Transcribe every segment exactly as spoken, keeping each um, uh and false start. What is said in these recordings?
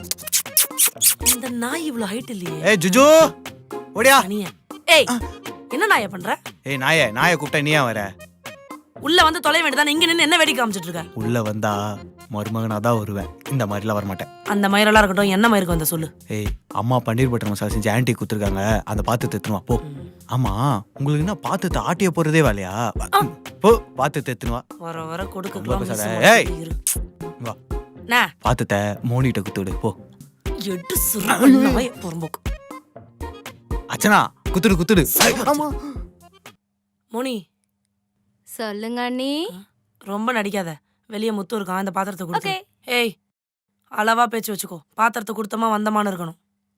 இந்த நாய் இவ்வளவு ஹைட் இல்லையே. ஏய் ஜுஜு ஓடியா. ஏய் என்ன நாயை பண்ற? ஏய் நாயே, நாயை கூப்பிட்டா நீ ஏன் வர? உள்ள வந்து தொலை வேண்டியதானே, இங்க நின்னு என்ன வேடிக்கை காமிச்சிட்டு இருக்க? உள்ள வந்தா மருமகனா தான் வருவேன், இந்த மாதிரிலாம் வர மாட்டேன். அந்த மயிரெல்லாம் இருக்கட்டும், என்ன மயிருக்கு வந்த சொல்லு. ஏய் அம்மா பன்னீர் பட்டர் மசாலா செஞ்சு ஆன்ட்டி கொடுத்துருக்காங்க, அந்த பாத்து தெத்துனுவா போ. ஆமா உங்களுக்கு என்ன பாத்து ஆட்டிய போறதே வேலையா? போ பாத்து தெத்துனுவா. வர வர கொடுக்கலாம். ஏய் வா நா பாத்துட்ட மோனிட்ட குத்துடு போ. எட்டு சுரு நாய் பொறம்போக்கு. அச்சனா குத்துடு குத்துடு. ஆமா மோனி சொல்லுங்க அண்ணி. ரொம்ப நடிக்காத, வெளியே முத்து இருக்கான், அந்த பாத்திரத்தை கொடுத்து. ஏய் அளவா பேச்சு வச்சுக்கோ, பாத்திரத்தை கொடுத்தமா வந்தமான்னு இருக்கணும்.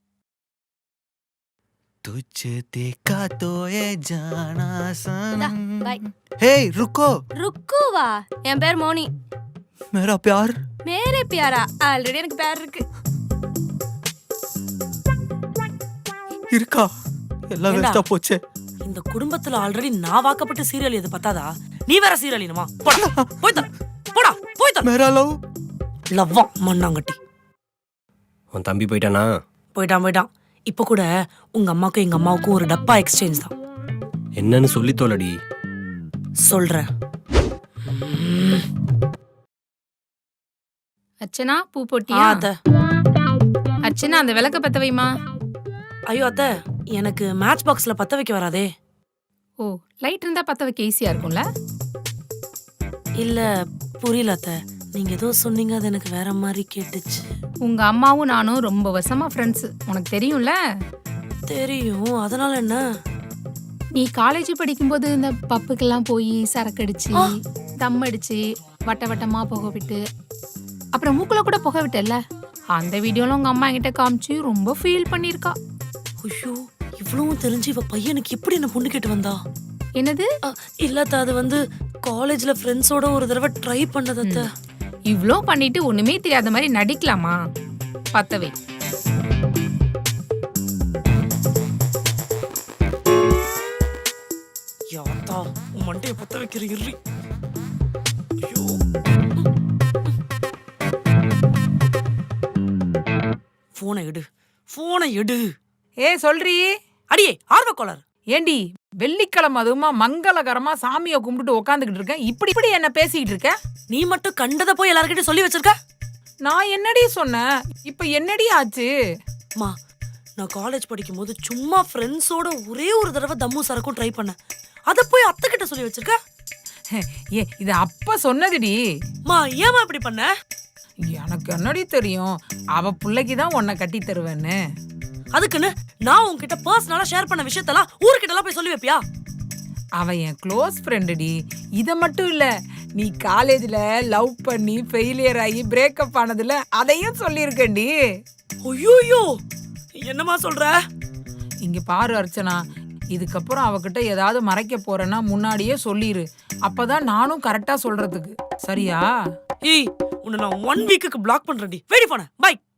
तुझे देखा तो ये जाना सनम. बाय. हे रुको. ருக்குவா? என் பேர் மோனி. मेरा प्यार. மேரே பியாரா? ஆல்ரெடி எனக்கு பேர் இருக்கு. இருக்கா? எல்லாம் வேஸ்டா போச்சே. இந்த குடும்பத்துல ஆல்ரெடி நான் வாக்கப்பட்ட சீரியல் எது பத்தாதா? நீ வேற சீரியலினுமா? போடா போய் தர போடா போய் தர. मेरा लव. லவ்வா மண்ணாங்கட்டி. உன் தம்பி போயிட்டானா? போயிட்டான் போயிட்டான். இப்ப கூட உங்க அம்மாக்கும் எங்க அம்மாவுக்கும் ஒரு டப்பா எக்ஸ்சேஞ்ச் தான். என்னன்னு சொல்லி தோலடி. சொல்றேன். அர்ச்சனா பூ போட்டியா? அத்த அர்ச்சனா அந்த விளக்க பத்த வைமா. ஐயோ அத்த, எனக்கு மேட்ச் பாக்ஸ்ல பத்த வைக்க வராதே. ஓ லைட் இருந்தா பத்த வைக்க ஈஸியா இருக்கும்ல. இல்ல புரியல அத்த, நீங்க ஏதோ சொன்னீங்க, அது எனக்கு வேற மாதிரி கேட்டுச்சு. உங்க அம்மாவும் நானும் ரொம்ப வருஷமா ஃப்ரெண்ட்ஸ், உனக்கு தெரியும்ல. தெரியும், அதனால என்ன? நீ காலேஜ் படிக்கும்போது இந்த பப்புக்கெல்லாம் போய் சரக்கு அடிச்சு தம் அடிச்சு வட்ட வட்டமா புகை விட்டு அப்புறம் மூக்குல கூட புகை விட்டல, அந்த வீடியோல உங்க அம்மா என்கிட்ட காமிச்சு ரொம்ப ஃபீல் பண்ணிருக்கா. ஐயோ இவ்வளவும் தெரிஞ்சு இவ பையனுக்கு எப்படி என்ன பொண்ணு கேட்டு வந்தா? என்னது? இல்லத்த, அது வந்து காலேஜ்ல ஃப்ரெண்ட்ஸோட ஒரு தடவை ட்ரை பண்ணதத்த. இவ்ளோ பண்ணிட்டு ஒண்ணுமே தெரியாத மாதிரி நடிக்கலாமா? பத்தவை. யாத்தா மண்டைய பத்த வைக்கிற இறி. ஐயோ போனை எடு, போனை எடு. ஏ சொல்றீ? அடியே ஆர்வக்கோளார். ஏண்டி வெள்ளிக்கிழமை அதுவுமா மங்களகரமா சாமியை கும்பிட்டுட்டு உக்காந்துக்கிட்டு இருக்கேன், இப்படி இப்படி என்ன பேசிக்கிட்டு இருக்க? நீ மட்டும் கண்டதை போய் எல்லார்கிட்டயும் சொல்லி வச்சிருக்க. நான் என்னடி சொன்னேன்? இப்ப என்னடி ஆச்சு? மா நான் காலேஜ் படிக்கும் போது சும்மா ஃப்ரெண்ட்ஸோட ஒரே ஒரு தடவை தம்மு சரக்கும் ட்ரை பண்ணேன், அத போய் அத்தை கிட்ட சொல்லி வச்சிருக்க. ஏ இது அப்ப சொன்னதுடி. மா ஏமா இப்படி பண்ண? எனக்கு என்னடி தெரியும், அவ பிள்ளைக்குதான் உன்னை கட்டி தருவேன்னு. அதுக்குன்னு நான் உன்கிட்ட பர்சனலா ஷேர் பண்ண விஷயத்தெல்லாம் ஊர்கிட்ட எல்லாம் போய் சொல்லி வைப்பியா? அவ என் க்ளோஸ் ஃப்ரெண்டுடி. இத மட்டும் இல்ல, நீ காலேஜ்ல லவ் பண்ணி ஃபெயிலியர் ஆகி பிரேக்கப் ஆனதுல அதையும் சொல்லியிருக்கேன்டி. ஐயோ என்னமா சொல்ற? இங்க பாரு அர்ச்சனா, இதுக்கப்புறம் அவகிட்ட ஏதாவது மறைக்க போறேன்னா முன்னாடியே சொல்லிரு, அப்பதான் நானும் கரெக்டா சொல்றதுக்கு. சரியா? ஏய் உன்னை நான் ஒன் வீக்குக்கு பிளாக் பண்றேன்டி. வெயிட் பண்ண பை.